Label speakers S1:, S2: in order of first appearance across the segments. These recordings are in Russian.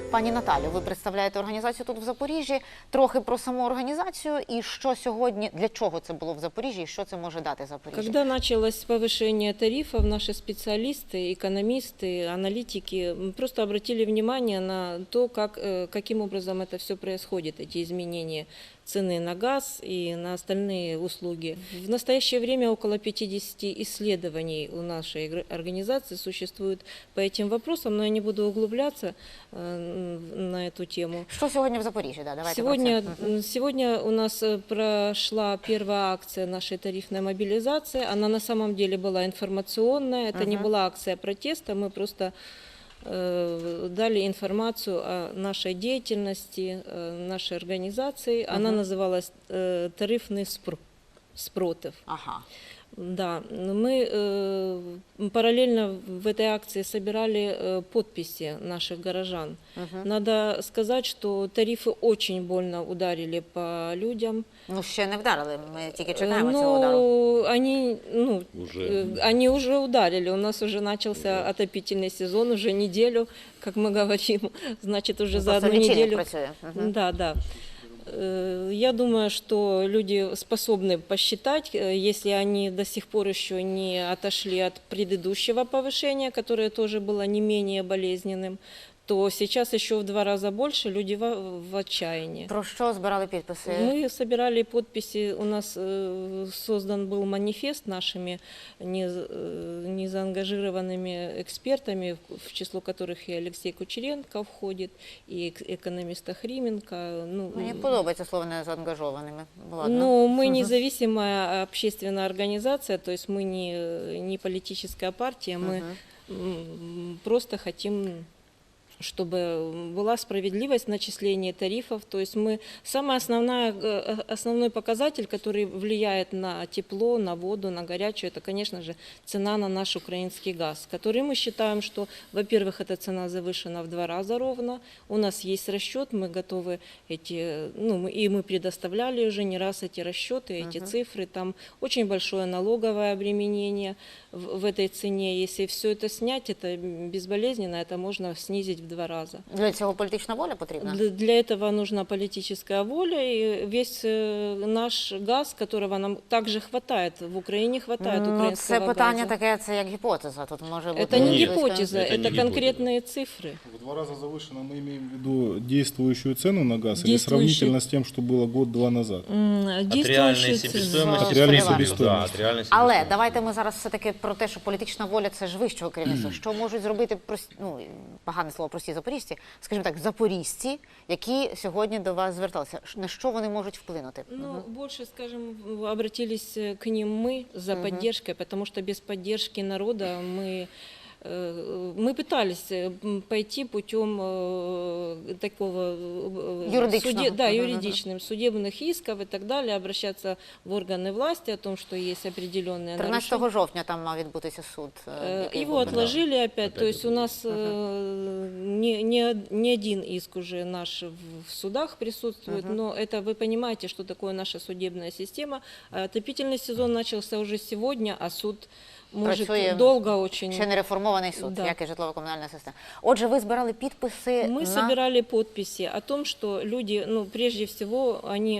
S1: Пані Наталю, ви представляєте організацію тут в Запоріжжі. Трохи про саму організацію і що сьогодні, для чого це було в Запоріжжі і що це може дати Запоріжжю?
S2: Когда началось повышение тарифов, наши специалисты, экономисты, аналитики просто обратили внимание на то, каким образом это все происходит, эти изменения цены на газ и на остальные услуги. В настоящее время около 50 исследований у нашей организации существует по этим вопросам, но я не буду углубляться на эту тему.
S1: Что сегодня в Запоріжжі? Да, давайте
S2: Сегодня у нас прошла первая акция нашей тарифной мобилизации. Она на самом деле была информационная, это не была акция протеста, мы просто дали информацию о нашей деятельности, нашей организации. Она называлась «Тарифный спротив».
S1: Ага.
S2: Да, мы параллельно в этой акции собирали подписи наших горожан. Надо сказать, что тарифы очень больно ударили по людям.
S1: Ну, ще не вдарили, ми тільки чекаємо цього удару.
S2: Они уже ударили, у нас уже начался отопительный сезон, уже неделю, как мы говорим, значит, уже за одну неделю. Да. Я думаю, что люди способны посчитать, если они до сих пор еще не отошли от предыдущего повышения, которое тоже было не менее болезненным, то сейчас еще в 2 раза больше люди в отчаянии.
S1: Про що збирали підписи?
S2: Мы собирали подписи, у нас создан был манифест нашими незаангажированными экспертами, в число которых и Алексей Кучеренко входит, и экономист Охрименко.
S1: Мені подобається слово «незаангажованими».
S2: Ну, мы независимая общественная организация, то есть мы не политическая партия, мы просто хотим, чтобы была справедливость в начислении тарифов. То есть самый основной показатель, который влияет на тепло, на воду, на горячую, это, конечно же, цена на наш украинский газ, который мы считаем, что, во-первых, эта цена завышена в 2 раза ровно. У нас есть расчет, мы готовы и мы предоставляли уже не раз эти расчеты, эти цифры. Там очень большое налоговое обременение в этой цене. Если все это снять, это безболезненно, это можно снизить в 2 раза.
S1: Для цього політична воля потрібна?
S2: Для этого нужна политическая воля, и весь наш газ, которого нам также хватает, в Украине хватает украинского газа.
S1: Це питання таке, це як гіпотеза, тут може бути...
S2: Это не гипотеза, это конкретные цифры.
S3: В 2 раза завышено мы имеем в виду действующую цену на газ или сравнительно с тем, что было год-два назад?
S4: От реальної себестоїмості.
S1: Але давайте ми зараз все-таки про те, що політична воля – це ж вищого керівництва. Що можуть зробити, погане слово, прості запоріжці, скажімо так, запоріжці, які сьогодні до вас зверталися? На що вони можуть вплинути?
S2: Больше, скажем, обратились к ним мы за поддержкой, потому что без поддержки народа мы пытались пойти путем такого юридичным, судебных исков и так далее, обращаться в органы власти о том, что есть определенные
S1: 13 жовтня там мав відбутися суд.
S2: Его отложили опять, то есть у нас не один иск уже наш в судах присутствует, но это вы понимаете, что такое наша судебная система. Отопительный сезон начался уже сегодня, а суд может долго очень.
S1: Ще не реформований суд, як і житлово-комунальна система. Отже, ви збирали підписи
S2: Мы собирали подписи о том, что люди, прежде всего, они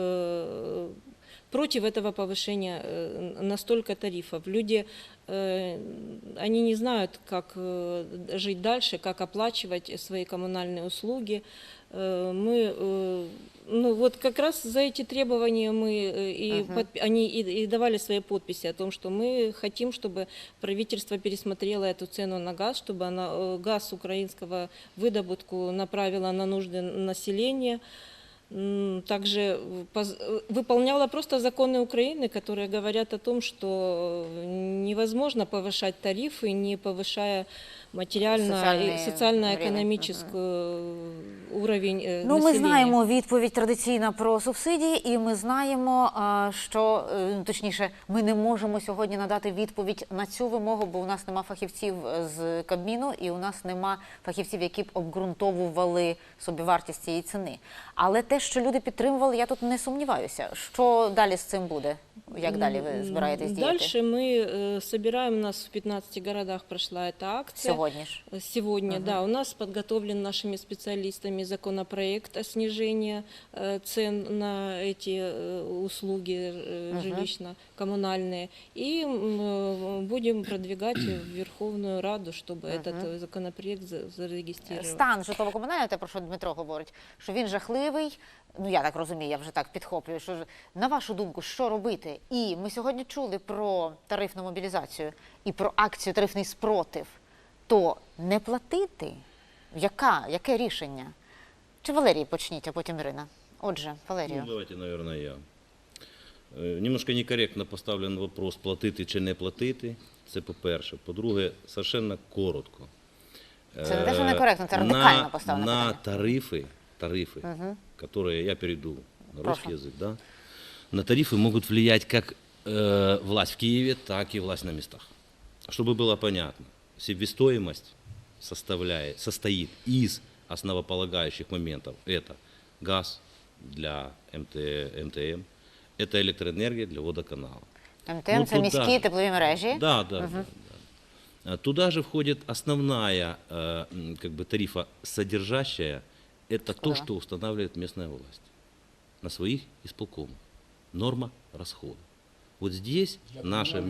S2: против этого повышения настолько тарифов. Люди, они не знают, как жить дальше, как оплачивать свои коммунальные услуги. Вот как раз за эти требования они и давали свои подписи о том, что мы хотим, чтобы правительство пересмотрело эту цену на газ, чтобы газ украинского выдобутку направило на нужды населения. Также выполняла просто законы Украины, которые говорят о том, что невозможно повышать тарифы, не повышая социально-экономический уровень населения.
S1: Ми знаємо відповідь традиційна про субсидії, і ми знаємо, що, точніше, ми не можемо сьогодні надати відповідь на цю вимогу, бо у нас нема фахівців з Кабміну, і у нас нема фахівців, які б обґрунтовували собівартість цієї ціни. Але те, що люди підтримували, я тут не сумніваюся. Що далі з цим буде? Як далі ви збираєтесь діяти?
S2: Дальше мы собираем, у нас в 15 городах прошла эта акция.
S1: Сьогодні ж.
S2: Сегодня, да, у нас подготовлен нашими специалистами законопроект о снижении цен на эти услуги жилищно-коммунальные. И будем продвигать в Верховную Раду, чтобы этот законопроект зарегистрировать.
S1: Стан житлово-комунального, те, про що Дмитро говорить, що він жахливий, ну я так розумію, я вже так підхоплюю, що на вашу думку, що робити? І ми сьогодні чули про тарифну мобілізацію і про акцію «Тарифний спротив». То не платити? Яке рішення? Чи Валерій почніть, а потім Ірина? Отже, Валерію.
S4: Ну, давайте, наверное, я. Немножко некоректно поставлен вопрос, платити чи не платити. Це по-перше. По-друге, совершенно коротко.
S1: Це не те, що некоректно, це радикально поставлено
S4: На
S1: питання.
S4: тарифы, которые, я перейду на русский язык, да, на тарифы могут влиять как власть в Киеве, так и власть на местах. Чтобы было понятно, себестоимость состоит из основополагающих моментов. Это газ для МТМ, это электроэнергия для водоканала.
S1: МТМ
S4: Ну,
S1: – це
S4: тут
S1: міські
S4: даже-
S1: теплові мережі.
S4: Да. Туда же входит основная как бы тарифа содержащая, это то, что устанавливает местная власть на своих исполкомах. Норма расхода. Вот здесь наша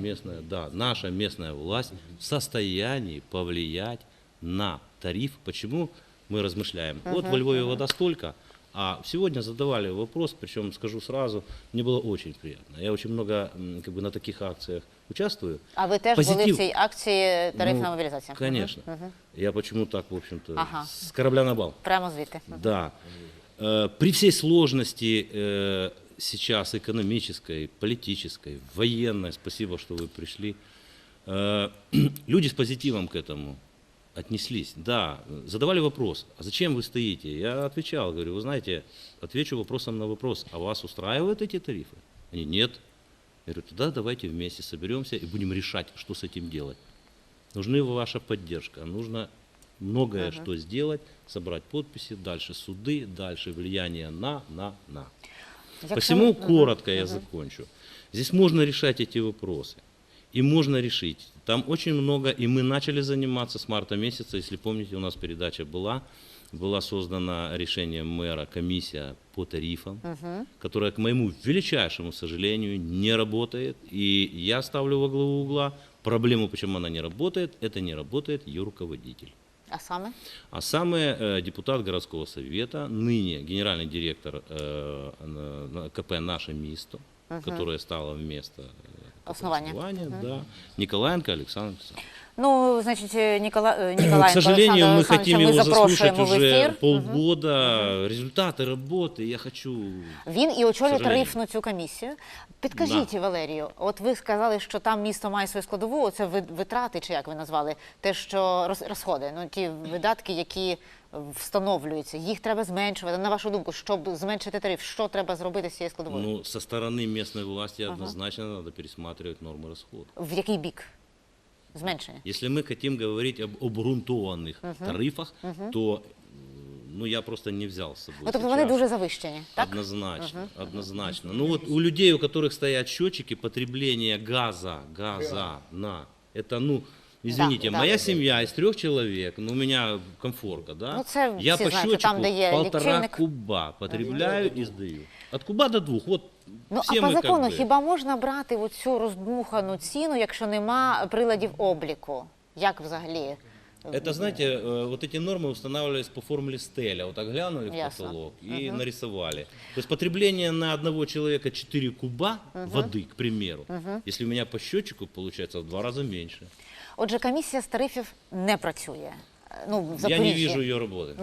S4: местная власть в состоянии повлиять на тариф. Почему мы размышляем? Вот во Львове вода столько, а сегодня задавали вопрос, причем скажу сразу, мне было очень приятно. Я очень много как бы на таких акциях участвую.
S1: А ви теж були в цій акції «Тарифна
S4: Ну,
S1: мобілізація»?
S4: Конечно. Я почему так, в общем-то,
S1: Ага.
S4: с корабля на бал.
S1: Прямо звідти.
S4: Да. При всей сложности сейчас экономической, политической, военной, спасибо, что вы пришли, люди с позитивом к этому отнеслись. Да, задавали вопрос, а зачем вы стоите? Я отвечал, говорю, вы знаете, отвечу вопросом на вопрос, а вас устраивают эти тарифы? Они, нет. Я говорю, тогда давайте вместе соберемся и будем решать, что с этим делать. Нужна ваша поддержка, нужно многое что сделать, собрать подписи, дальше суды, дальше влияние на. Посему коротко я закончу. Здесь можно решать эти вопросы. И можно решить. Там очень много, и мы начали заниматься с марта месяца, если помните, у нас передача была создана решением мэра комиссия по тарифам, которая, к моему величайшему сожалению, не работает. И я ставлю во главу угла проблему, почему она не работает, это не работает ее руководитель.
S1: А саме?
S4: А самый депутат городского совета, ныне генеральный директор КП «Наше место», которое стало вместо
S1: Основания.
S4: да, Николаенко Александр Александрович.
S1: Ну, значить,
S4: К
S1: Ніколаєнко
S4: сожалению,
S1: Олександра
S4: мы хотим
S1: Олександровича ми
S4: его заслушать
S1: запрошуємо в
S4: уже
S1: ефір.
S4: полгода. Результаты работы я хочу...
S1: Він і очолює
S4: сожалению.
S1: тарифну цю комісію. Підкажіть, Валерію, от ви сказали, що там місто має свою складову, оце витрати, чи як ви назвали, те, що розходи, ну ті видатки, які встановлюються, їх треба зменшувати. На вашу думку, щоб зменшити тариф, що треба зробити з цією складовою?
S4: Ну, со стороны местной власти однозначно надо пересматривать нормы расхода.
S1: В який бік зменшення?
S4: Если мы хотим говорить об обґрунтованных тарифах, то ну, я просто не взял с собой.
S1: Ну, тобто вони
S4: сейчас.
S1: дуже завищені, так?
S4: Однозначно. Ну вот у людей, у которых стоят счетчики потребления газа на, это, ну, извините,
S1: Да,
S4: моя
S1: да.
S4: семья из 3 человек, ну, у меня комфорка, да?
S1: Ну, це
S4: Я
S1: всі
S4: по
S1: знають,
S4: счетчику
S1: там, де є
S4: 1,5
S1: лічильник.
S4: куба потребляю и сдаю. От куба до 2, вот
S1: Ну,
S4: все
S1: а по
S4: мы как
S1: закону
S4: бы...
S1: хіба можна брати оцю роздмухану ціну, якщо нема приладів обліку? Як взагалі?
S4: Это, знаете, вот эти нормы устанавливались по формуле Стеля. Вот так глянули в
S1: Ясно.
S4: потолок и нарисовали. То есть потребление на одного человека 4 куба воды, к примеру, если у меня по счетчику получается в 2 раза меньше.
S1: Отже, комісія з тарифів не працює. Ну, в
S4: Я не
S1: Запоріжжі.
S4: вижу ее работы.